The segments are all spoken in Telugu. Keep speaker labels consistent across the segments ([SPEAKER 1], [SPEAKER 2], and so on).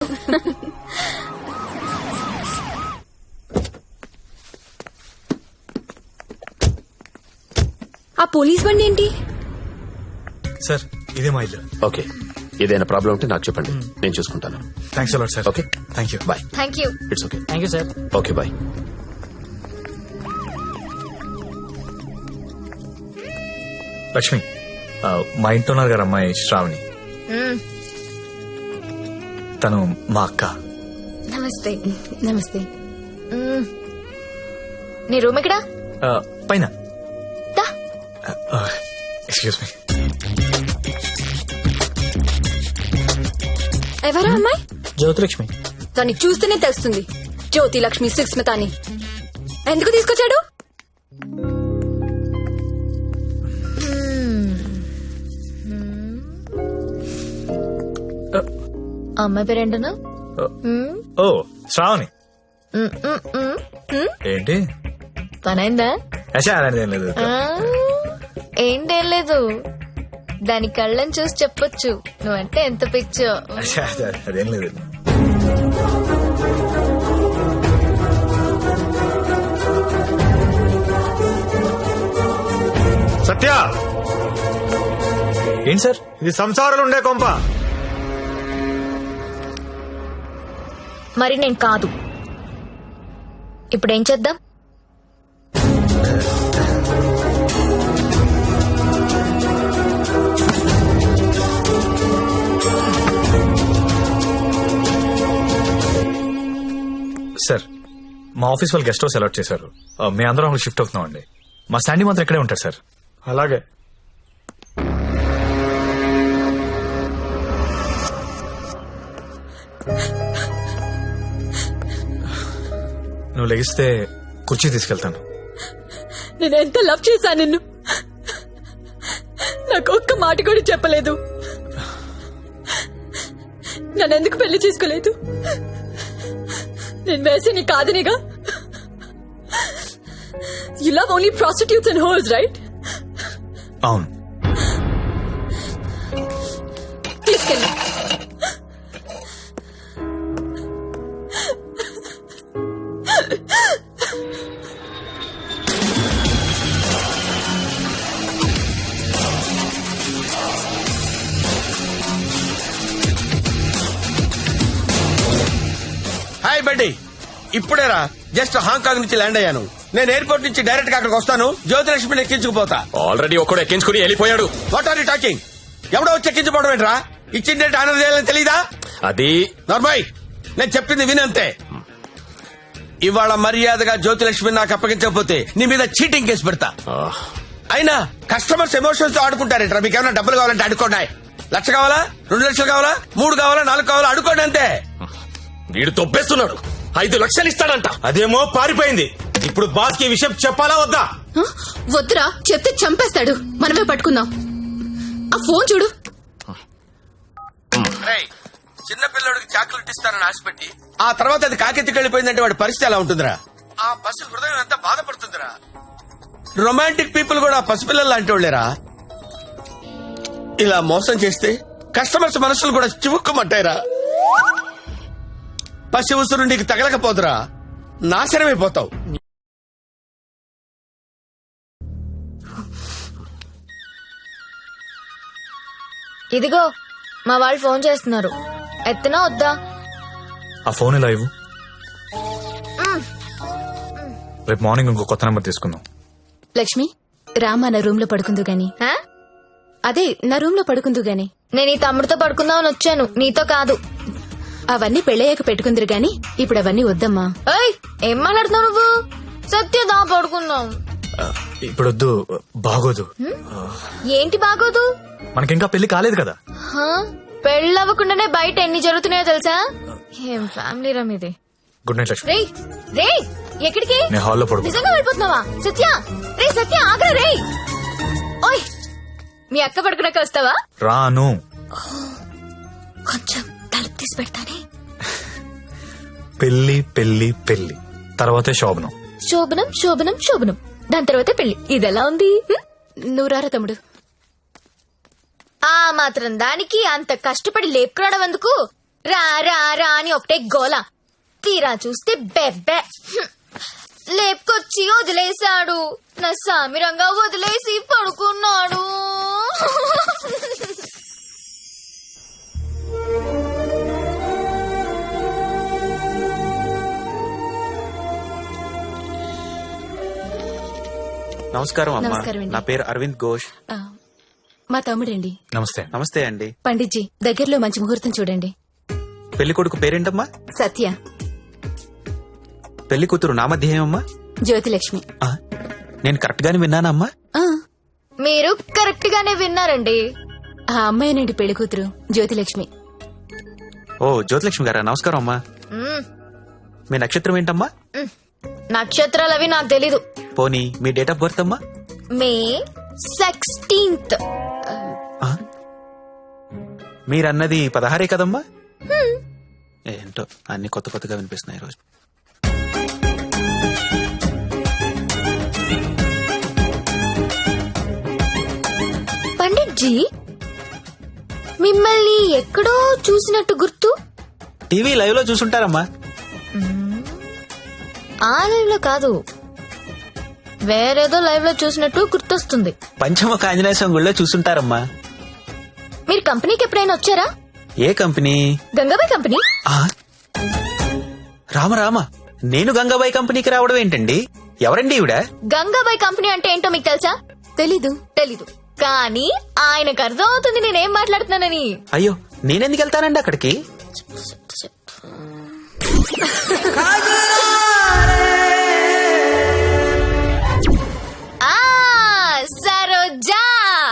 [SPEAKER 1] ఆ పోలీస్ బండి ఏంటి?
[SPEAKER 2] సార్ ఇదే మా ఇల్లు.
[SPEAKER 3] ఓకే, ఏదైనా ప్రాబ్లం ఉంటే నాకు చెప్పండి, నేను చూసుకుంటాను.
[SPEAKER 2] Thanks a lot sir.
[SPEAKER 3] Okay,
[SPEAKER 2] thank you.
[SPEAKER 3] Bye.
[SPEAKER 1] Thank you.
[SPEAKER 3] It's okay.
[SPEAKER 4] Thank you sir.
[SPEAKER 3] Okay, bye.
[SPEAKER 2] Lakshmi, మా ఇంట్లో ఉన్నారు గారు అమ్మాయి శ్రావణి. తను మా అక్క.
[SPEAKER 1] నమస్తే. నమస్తే.
[SPEAKER 5] నీ రూమ్ ఎక్కడా?
[SPEAKER 2] పైన. Excuse me.
[SPEAKER 1] ఎవరా అమ్మాయి?
[SPEAKER 4] జ్యోతిలక్ష్మి.
[SPEAKER 1] దాన్ని చూస్తేనే తెలుస్తుంది, జ్యోతి లక్ష్మి సుస్మిత అని. ఎందుకు తీసుకొచ్చాడు?
[SPEAKER 5] అమ్మాయి పేరేంటనా?
[SPEAKER 2] ఓ శ్రావణి. ఏంటి
[SPEAKER 5] పనైందా?
[SPEAKER 2] అలాంటిది ఏం లేదు.
[SPEAKER 5] ఏంటేం లేదు, దాని కళ్ళని చూసి చెప్పొచ్చు నువ్వంటే ఎంత పిచ్చో.
[SPEAKER 2] అదేం లేదు.
[SPEAKER 6] సత్య,
[SPEAKER 2] ఏంటి సార్?
[SPEAKER 6] ఇది సంసారాలు ఉండే కొంప.
[SPEAKER 5] మరి నేను కాదు. ఇప్పుడేం చేద్దాం?
[SPEAKER 2] సార్, మా ఆఫీస్ వాళ్ళు గెస్ట్ హౌస్ అలాట్ చేశారు. మీ అందరం షిఫ్ట్ అవుతున్నాం అండి. మా శాండీ మాత్రం ఇక్కడే ఉంటారు సార్.
[SPEAKER 6] అలాగే.
[SPEAKER 2] నువ్వు లెగిస్తే కుర్చీ తీసుకెళ్తాను.
[SPEAKER 1] నేను ఎంత లవ్ చేశా నిన్ను, నాకు ఒక్క మాట కూడా చెప్పలేదు. నన్ను ఎందుకు పెళ్లి చేసుకోలేదు? నేను వేసి నీ కాదనిగా. You love only prostitutes and whores, right?
[SPEAKER 2] అవును.
[SPEAKER 1] తీసుకెళ్ళి.
[SPEAKER 7] హాయ్ బడ్డీ, ఇప్పుడేరా జస్ట్ హాంకాంగ్ నుంచి ల్యాండ్ అయ్యాను. నేను ఎయిర్పోర్ట్ నుంచి డైరెక్ట్ గా అక్కడికి వస్తాను. జ్యోతిలక్ష్మిని ఎక్కించుకుపోతా.
[SPEAKER 3] ఆల్రెడీ ఒక్కడు ఎక్కించుకుని వెళ్ళిపోయాడు.
[SPEAKER 7] What are you talking? ఎవడో వచ్చి ఎక్కించుకోవడం ఏంట్రా? ఇచ్చిన డేట్ ఆనర్ చేయాలని తెలీదా?
[SPEAKER 3] అది
[SPEAKER 7] నార్మల్, నేను చెప్పింది వినంతే. ఇవాళ మర్యాదగా జ్యోతిలక్ష్మి నాకు అప్పగించకపోతే నీ మీద చీటింగ్ కేసు పెడతా. అయినా కస్టమర్స్ ఎమోషన్స్ తో ఆడుకుంటారేంట్రా? మీకు ఏమైనా డబ్బులు కావాలంటే అడుకోండి. 1,00,000 కావాలా, 2 లక్షలు కావాలా, 3 కావాలా, 4 కావాలా, అడుకోండి అంతే.
[SPEAKER 3] వీడు తొప్పేస్తున్నాడు. 5 లక్షలు ఇస్తాడంట.
[SPEAKER 6] అదేమో పారిపోయింది. ఇప్పుడు బాస్ కి విషయం చెప్పాలా వద్దా?
[SPEAKER 1] వద్దురా, చెప్తే చంపేస్తాడు. మనమే పట్టుకుందాం. ఆ ఫోన్ చూడు.
[SPEAKER 7] చిన్న పిల్లడికి చాక్లెట్ ఇస్తానని ఆశపెట్టి ఆ తర్వాత అది కాకెత్తికెళ్లిపోయిందంటే వాడి పరిస్థితి ఎలా ఉంటుందిరా? ఆ పసి హృదయం ఎంత బాధపడుతుందిరా? రొమాంటిక్ పీపుల్ కూడా పసిపిల్లలు లాంటి వాళ్ళేరా. ఇలా మోసం చేస్తే కస్టమర్స్ మనసులు కూడా చివుక్కుమంటాయిరా. పసి ఉసురు నీకు తగలకపోదురా, నాశనమైపోతావు.
[SPEAKER 5] ఇదిగో మా వాళ్ళు ఫోన్ చేస్తున్నారు, ఎత్తనా వద్దా?
[SPEAKER 2] ఆ ఫోన్ ఇలా ఇవ్వు. రేపు మార్నింగ్ ఇంకో కొత్త నెంబర్ తీసుకుందాం.
[SPEAKER 1] లక్ష్మి, రామా నా రూమ్ లో పడుకుందు గాని. అదే నా రూమ్ లో పడుకుందు గాని.
[SPEAKER 5] నేను ఈ తమ్ముడితో పడుకుందామని వచ్చాను, నీతో కాదు.
[SPEAKER 1] అవన్నీ పెళ్ళయ్యాక పెట్టుకుందరు గాని ఇప్పుడు అవన్నీ వద్దమ్మా.
[SPEAKER 5] ఏం మాట్లాడుతున్నావు నువ్వు? సత్యదా పడుకుందాం.
[SPEAKER 2] ఇప్పుడు వద్దు, బాగోదు.
[SPEAKER 5] ఏంటి బాగోదు?
[SPEAKER 2] మనకింకా పెళ్లి కాలేదు కదా.
[SPEAKER 5] పెళ్ళవ్వకుండానే బయట ఎన్ని జరుగుతున్నాయో తెలుసా? ఏం ఫ్యామిలీ రా మీది.
[SPEAKER 2] Good night Lakshmi.
[SPEAKER 5] రే రే, ఎక్కడికి?
[SPEAKER 2] నేను హాల్లో పడుకో.
[SPEAKER 5] నిజంగా వెళ్ళిపోతున్నావా? సత్య, రే సత్య, ఆగ్రా రే. ఓయ్, మీ అక్క పడుకున్నాక వస్తావా?
[SPEAKER 2] రాను.
[SPEAKER 5] కొంచెం తలుపు తీసి పెడతానే.
[SPEAKER 2] పెళ్లి పెళ్లి పెళ్లి తర్వాతే శోభనం.
[SPEAKER 5] శోభనం శోభనం శోభనం, దాని తర్వాతే పెళ్లి. ఇదెలా ఉంది?
[SPEAKER 1] నువ్వు రారా తమ్ముడు.
[SPEAKER 5] ఆ మాత్రం దానికి అంత కష్టపడి లేపుకురావడం ఎందుకు? రా రా రా అని ఒకటే గోల. తీరా చూస్తే బెబ్బె. లేపుకొచ్చి వదిలేశాడు. నా సామిరంగా వదిలేసి పడుకున్నాడు.
[SPEAKER 4] నమస్కారం అమ్మా.
[SPEAKER 1] నమస్కారం అండి.
[SPEAKER 4] నా పేరు అరవింద్ ఘోష్.
[SPEAKER 1] ఆ, మా తమ్ముడండి.
[SPEAKER 2] నమస్తే.
[SPEAKER 4] నమస్తే అండి.
[SPEAKER 1] పండిట్జీ దగ్గరలో మంచి ముహూర్తం చూడండి.
[SPEAKER 4] పెళ్లి కొడుకు పేరేంటమ్మా?
[SPEAKER 1] సత్య.
[SPEAKER 4] పెళ్లి కూతురు నామధ్యేయమ్మా?
[SPEAKER 1] జ్యోతిలక్ష్మి.
[SPEAKER 4] నేను కరెక్ట్ గానే విన్నానమ్మా?
[SPEAKER 1] ఆ,
[SPEAKER 5] మీరు కరెక్ట్ గానే విన్నారండి.
[SPEAKER 1] ఆ అమ్మాయినండి పెళ్లి కూతురు జ్యోతిలక్ష్మి.
[SPEAKER 4] ఓ జ్యోతిలక్ష్మి గారా, నమస్కారం అమ్మా.
[SPEAKER 5] మ్మ్.
[SPEAKER 4] మీ నక్షత్రం ఏంటమ్మా?
[SPEAKER 5] నక్షత్రాలవి నాకు తెలీదు.
[SPEAKER 4] పోనీ మీ డేట్ ఆఫ్ బర్త్ అమ్మా?
[SPEAKER 5] మే 16th.
[SPEAKER 4] మీరన్నది 16 కదమ్మా? ఏంటో అన్ని కొత్త కొత్తగా వినిపిస్తున్నాయి ఈరోజు.
[SPEAKER 5] పండిట్జీ, మిమ్మల్ని ఎక్కడో చూసినట్టు గుర్తు.
[SPEAKER 4] టీవీ లైవ్ లో చూసుంటారమ్మా.
[SPEAKER 5] ఆ లైవ్ లో కాదు, వేరేదో లైవ్ లో చూసినట్టు గుర్తొస్తుంది.
[SPEAKER 4] పంచముఖ ఆంజనేయ స్వామి గుళ్ళో చూసుంటారమ్మా.
[SPEAKER 5] మీరు కంపెనీకి ఎప్పుడైనా వచ్చారా?
[SPEAKER 4] ఏ కంపెనీ?
[SPEAKER 5] గంగాబాయ్ కంపెనీ.
[SPEAKER 4] ఆ? రామ రామ, నేను గంగాబాయి కంపెనీకి రావడం ఏంటండి? ఎవరండి ఈవిడ?
[SPEAKER 5] గంగాబాయ్ కంపెనీ అంటే ఏంటో మీకు తెలుసా?
[SPEAKER 1] తెలీదు.
[SPEAKER 5] తెలీదు, కానీ ఆయనకు అర్థం అవుతుంది నేనేం మాట్లాడుతున్నానని.
[SPEAKER 4] అయ్యో, నేనెందుకు వెళ్తానండి అక్కడికి?
[SPEAKER 5] సరోజా.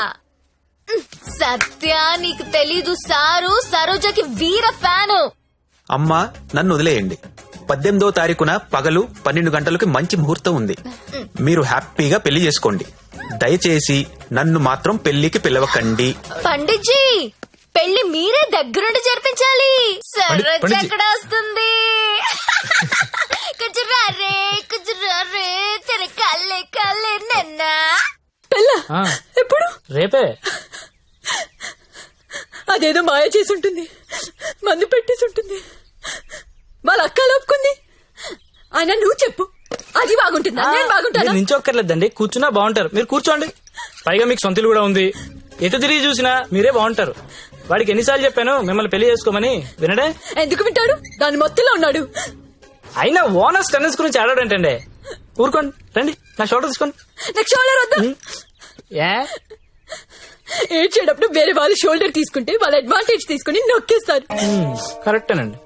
[SPEAKER 5] సత్య, నీకు తెలీదు, సారు సరోజకి వీర ఫ్యాను.
[SPEAKER 4] అమ్మా, నన్ను వదిలేయండి. 18వ తారీఖున పగలు 12 గంటలకు మంచి ముహూర్తం ఉంది. మీరు హ్యాపీగా పెళ్లి చేసుకోండి. దయచేసి నన్ను మాత్రం పెళ్లికి పిలవకండి.
[SPEAKER 5] పండిట్జీ, పెళ్లి మీరే దగ్గరుండి జరిపించాలి. సరోజ
[SPEAKER 2] పండిట్జీ.
[SPEAKER 5] ఎక్కడ వస్తుంది? కుజురారే కుజురారే తెర కల్లే కల్లే నన్నా.
[SPEAKER 8] ఎప్పుడు? రేపే.
[SPEAKER 9] అదేదో మాయ చేసి ఉంటుంది, మందు పెట్టేసి ఉంటుంది, వాళ్ళ అక్క లోపుకుంది. ఆయన నువ్వు చెప్పు, అది బాగుంటుందా నేను బాగుంటానా?
[SPEAKER 8] మీరు నించొక్కర్లేదండి, కూర్చున్నా బాగుంటారు. మీరు కూర్చోండి. పైగా మీకు సొంతలు కూడా ఉంది. ఎటు తిరిగి చూసినా మీరే బాగుంటారు. వాడికి ఎన్నిసార్లు చెప్పాను మిమ్మల్ని పెళ్లి చేసుకోమని, వినడే?
[SPEAKER 9] ఎందుకు వింటాడు? దాని మొత్తంలో ఉన్నాడు.
[SPEAKER 8] అయినా ఓనర్స్ టెన్నిస్ గురించి ఆడాడంటండి. ఊరుకోండి, రండి నా షోల్డర్ తీసుకోండి.
[SPEAKER 9] నాకు షోల్డర్ వద్దా?
[SPEAKER 8] ఏ
[SPEAKER 9] ఏడ్చేటప్పుడు వేరే వాళ్ళ షోల్డర్ తీసుకుంటే వాళ్ళ అడ్వాంటేజ్ తీసుకుని నొక్కేస్తారు.
[SPEAKER 8] కరెక్టేనండి.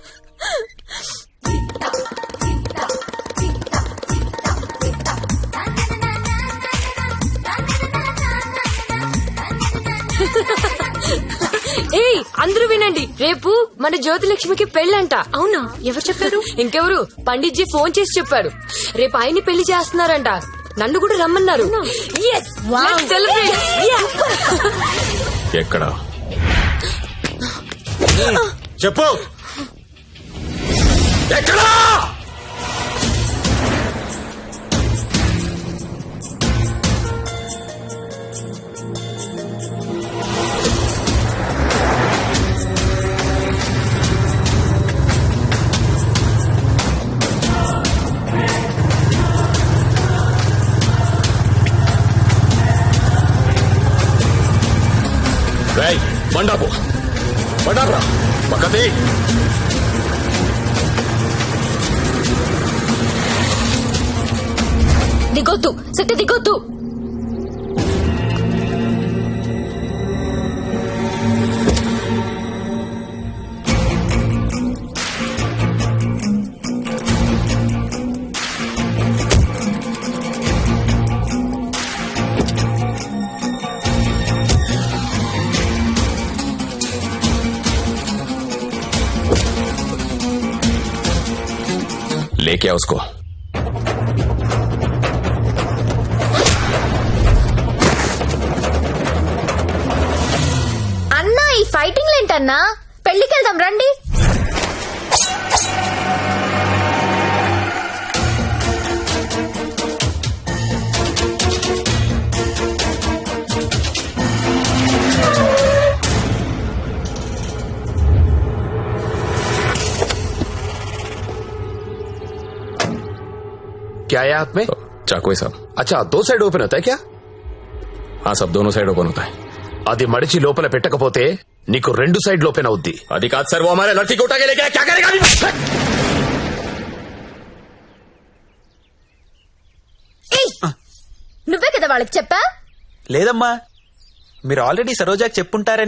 [SPEAKER 9] ఏయ్, అందరూ వినండి, రేపు మన జ్యోతిలక్ష్మికి పెళ్ళంట. అవునా? ఎవరు చెప్పారు? ఇంకెవరు, పండిట్జీ ఫోన్ చేసి చెప్పాడు. రేపు ఆయన్ని పెళ్లి చేస్తున్నారంట. నన్ను కూడా రమ్మన్నారు. Yes, let's celebrate. Yeah.
[SPEAKER 3] ఎక్కడ?
[SPEAKER 6] చెప్పు.
[SPEAKER 3] ఎక్కడా? రేయ్, బండాపు బండాపురా పక్కది.
[SPEAKER 5] దిగొద్దు సత్య, దిగొద్దు.
[SPEAKER 3] लेके आओ उसको.
[SPEAKER 5] అన్నా, ఈ ఫైటింగ్ ఏంటన్నా? పెళ్లికి వెళ్దాం రండి.
[SPEAKER 3] क्या है हाथ में?
[SPEAKER 10] चाकू है साहब।
[SPEAKER 3] अच्छा 2 साइड ఓపెన్ అవుతాయి क्या?
[SPEAKER 10] हाँ साहब, दोनों साइड ओपन होता है।
[SPEAKER 3] అది మడిచి లోపల పెట్టకపోతే నీకు 2 సైడ్లు ఓపెన్ అవుద్ది.
[SPEAKER 10] అది కాదు సార్, वो हमारे लड़की को उठा के लेके आया, क्या करेगा अभी?
[SPEAKER 5] నువ్వే కదా వాళ్ళకి చెప్పా
[SPEAKER 4] లేదమ్మా, మీరు ఆల్రెడీ సరోజాకి చెప్పుంటారని